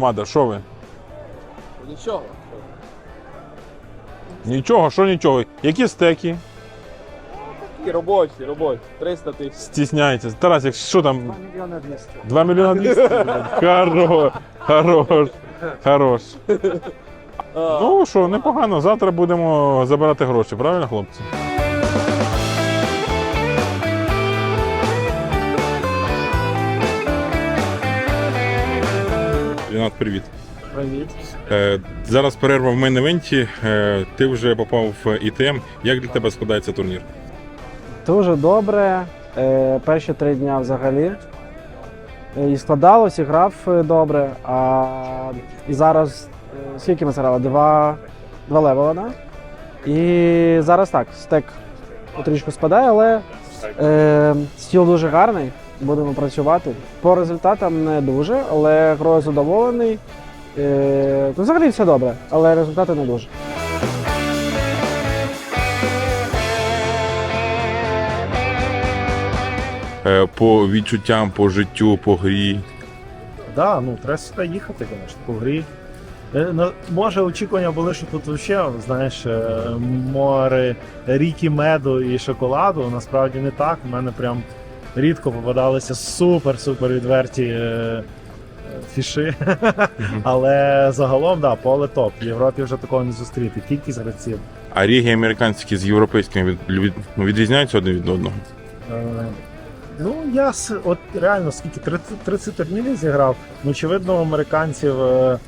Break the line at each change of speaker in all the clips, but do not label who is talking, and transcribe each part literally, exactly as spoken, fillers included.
громада, що ви?
Нічого.
Нічого, що нічого. Які стеки?
Такі робочі, робочі. триста тисяч.
Стісняється. Тарас, як що там?
два мільйони двісті.
два мільйони двісті? Хорош, хорош, хорош. Ну що, непогано. Завтра будемо забирати гроші, правильно, хлопці? Рінат, привіт.
Привіт.
Е, зараз перерва в мейн-івенті. Е, ти вже попав в І Т М. Як для тебе складається турнір?
Дуже добре. Е, перші три дня взагалі. Е, І складалось, і грав е, добре. А і зараз е, скільки ми зіграли? Два, два левела, да? І зараз так, стек трішки спадає, але е, стіл дуже гарний. Будемо працювати. По результатам не дуже, але грою задоволений. Е, ну, взагалі все добре, але результати не дуже.
Е, по відчуттям, по життю, по грі.
Да, ну треба сюди їхати, звісно, по грі. Е, ну, може, очікування були, що тут взагалі, знаєш, е, море ріки меду і шоколаду. Насправді не так. У мене прям рідко попадалися супер-супер відверті е, фіши. Але загалом, да, поле топ. В Європі вже такого не зустріти. Кількість гравців.
А ріги американські з європейськими від, від, відрізняються один від одного?
Е, Ну, я с- от реально скільки тридцять, тридцять турнірів зіграв. Ну, очевидно, у американців е,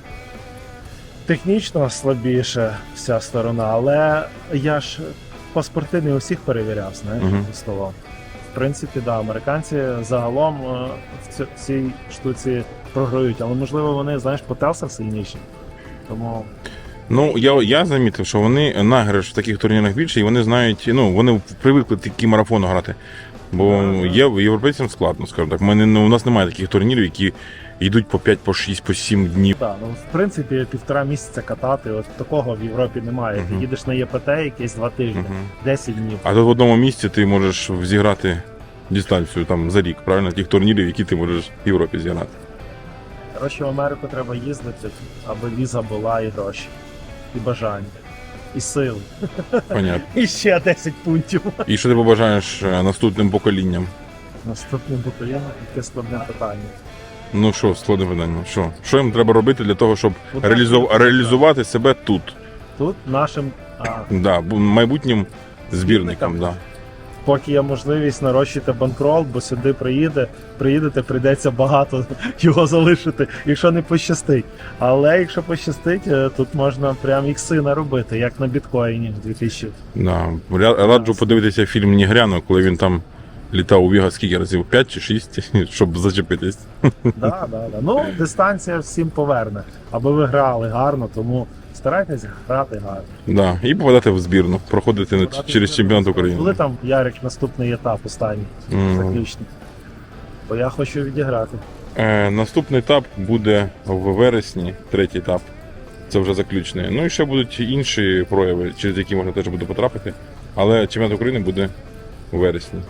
технічно слабіше вся сторона, але я ж паспорти не усіх перевіряв, знаєш,
Мгм.
за столом. В принципі, да, американці загалом е, в ці- в цій штуці програють, але можливо вони, знаєш, по телсах сильніші. Тому
Ну, я, я замітив, що вони награш в таких турнірах більше, і вони знають, ну, вони привикли такі марафони грати. Бо
Ага.
є європейцям складно, скажімо так. Ми не, ну, у нас немає таких турнірів, які йдуть по п'ять, по шість, по сім днів.
так, ну в принципі півтора місяця катати, от такого в Європі немає. Ти
Мгм.
їдеш на Є Пе Те якесь два тижні,
Мгм.
десять днів.
А тут в одному місці ти можеш зіграти дистанцію там за рік, правильно? Тих турнірів, які ти можеш в Європі зіграти.
Коротше, в Америку треба їздити, аби віза була і гроші, і бажання, і сили.
Понятно.
І ще десять пунктів.
І що ти побажаєш е, наступним поколінням?
Наступним поколінням таке складне питання.
Ну що, складне питання. Що? Що їм треба робити для того, щоб
Ну, так,
реалізов...
так.
реалізувати себе тут?
Тут нашим, а,
Да, бу- майбутнім збірникам. Да.
поки є можливість нарощити банкрол, бо сюди приїде, приїдете, прийдеться багато його залишити, якщо не пощастить. Але якщо пощастить, е, тут можна прям ікси наробити, як на біткоїні дві тисячі.
Да. Ря- Раджу подивитися фільм Нігряно, коли він там літав у Вегас скільки разів? п'ять чи шість, щоб зачепитись.
Да, да, да. Ну, дистанція всім поверне, аби ви грали гарно, тому старайтесь грати гарно.
Да. І попадати в збірну, проходити на- через чемпіонат
Коли
України.
там Ярик наступний етап останній,
Мгм.
заключний. Бо я хочу відіграти.
Е, наступний етап буде в вересні, третій етап. Це вже заключний. Ну і ще будуть інші прояви, через які можна теж буде потрапити. Але чемпіонат України буде у вересні.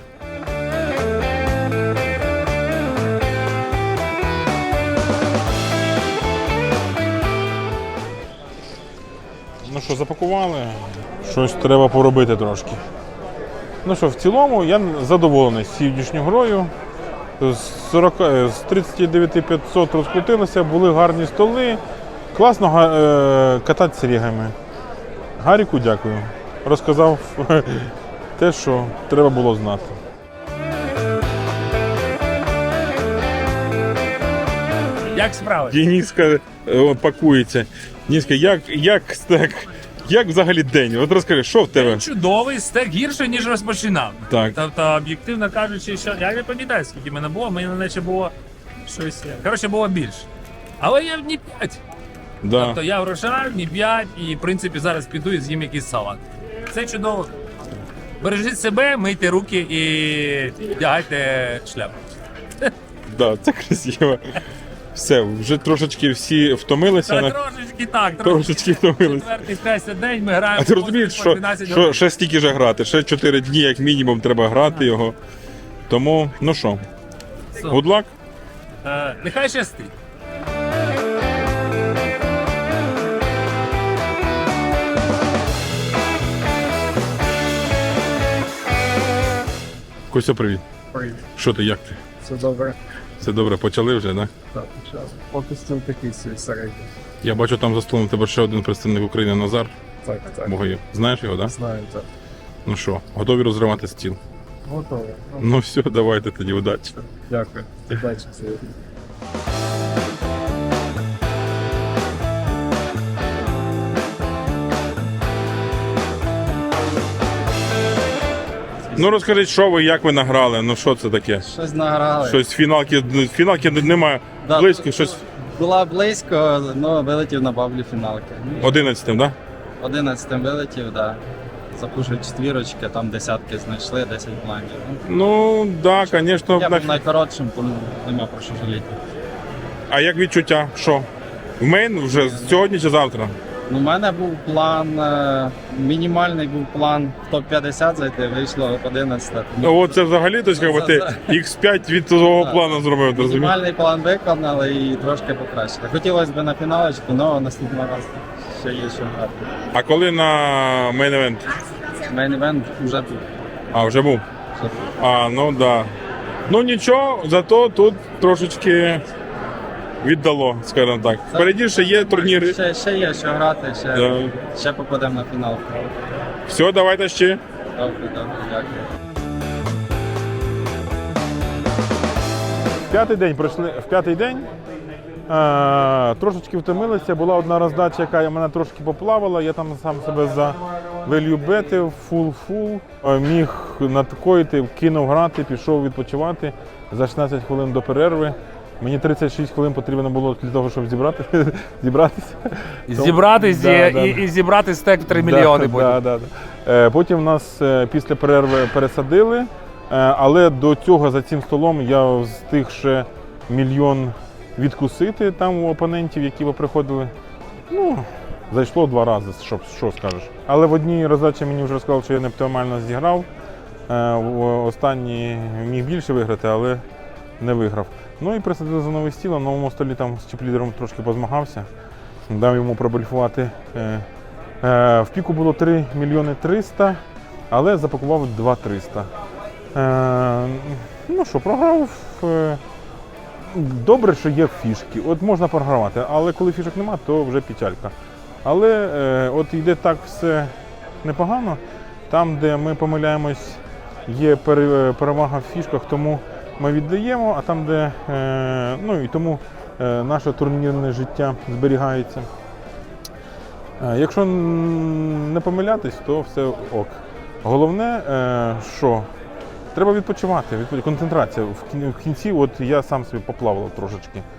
Ну що, запакували? Щось треба поробити трошки. Ну що, в цілому я задоволений з сьогоднішньою грою. З, сорок, з тридцять дев'ять п'ятсот розкрутилося, були гарні столи. Класно га- е, кататися рігами. Гаріку дякую. Розказав те, що треба було знати.
Як справи?
Дениска е, пакується. Дениска, як, як стек? Як взагалі день? От розкажи, що в тебе?
Чудовий, стек гірше, ніж розпочинав.
Так.
Тобто, об'єктивно кажучи, що я не пам'ятаю, скільки мене було, мені наче було щось. Коротше, було більше. Але я в дні п'ять.
Да.
Тобто я врожаю, дні п'ять, і в принципі зараз піду і з'їм якийсь салат. Це чудово. Бережіть себе, мийте руки і вдягайте шляпу.
Да, це красиво. Все, вже трошечки всі втомилися.
Та
на-
трошечки так,
Трошечки втомилися.
Четвертий, третій день ми граємо.
А ти розумієш,
по
що,
дванадцять
що
годин.
ще стільки ж грати, ще чотири дні, як мінімум, треба грати його. Тому, ну що, good luck.
Е, Нехай щастить.
Костя, привіт.
Привіт.
Що ти, як ти?
Все добре.
Все добре, почали вже, так?
Так, час. Поки стіл такий свій середній.
Я бачу там за столом у тебе ще один представник України Назар
Так, так.
Богаєв. Знаєш його, так? Да?
Знаю, так.
Ну що, готові розривати стіл?
Готовий. Ну,
Ну все, давайте тоді, удачі.
дякую. Удачі сьогодні.
Ну розкажіть, що ви, як ви награли? Ну що це таке?
Щось награли.
Щось фіналки, фіналки немає
Да,
близько, щось
Була близько, але вилетів на баблі фіналки.
одинадцятим, так?
Одинадцятим вилетів, так. Да. Запушив четвірочки, там десятки знайшли, десять блайндів. Ну,
Ну, так, да, звісно.
я
на-
був найкоротшим, тому нема про що жаліти.
А як відчуття? Що? В мейн вже сьогодні чи завтра?
Ну, у мене був план, е, мінімальний був план в топ п'ятдесят зайти, вийшло одинадцять.
Ну, от це взагалі, тобто, як би, ти ікс п'ять від того
Так.
плану зробив, ти розумієш?
Мінімальний план виконали і трошки покращили. Хотілося б на фіналочку, але наступного разу ще є що грати.
А коли на мейн евент?
Мейн-івент вже тут.
А, вже був.
Вже тут.
А, ну да. Ну нічого, зато тут трошечки віддало, скажімо так. Впереді ще є турніри.
Ще, ще є що грати, ще,
Да.
ще попадемо на фінал.
Все, давайте ще.
Добре, добре, дякую.
В п'ятий день пройшли в п'ятий день. Е, трошечки втомилися. Була одна роздача, яка мене трошки поплавала. Я там сам себе за value бетив, фул-фул. Е, міг надкоїти, кинув грати, пішов відпочивати за шістнадцять хвилин до перерви. Мені тридцять шість хвилин потрібно було для того, щоб зібрати, зібратися.
Зібратись
Да,
і,
да.
і, і зібрати стек в три мільйони
Да,
потім.
да, да, да. Е, Потім нас е, після перерви пересадили, е, але до цього за цим столом я встиг ще мільйон відкусити там у опонентів, які приходили. Ну, зайшло два рази, що, що скажеш. Але в одній роздачі мені вже сказали, що я не оптимально зіграв. Е, в останній міг більше виграти, але не виграв. Ну і присадили за новий стіл, на новому столі там з чіплідером трошки позмагався. Дав йому пробольфувати. Е, е, в піку було три мільйони триста, але запакував два триста. Е, ну що, програв. Е, добре, що є фішки. От можна програвати, але коли фішок нема, то вже печалька. Але е, от йде так все непогано. Там, де ми помиляємось, є пере- перевага в фішках, тому ми віддаємо, а там, де е, ну і тому е, наше турнірне життя зберігається. Е, якщо н- не помилятись, то все ок. Головне, е, що треба відпочивати, відпо- концентрація. В кін- в кінці от я сам собі поплавав трошечки.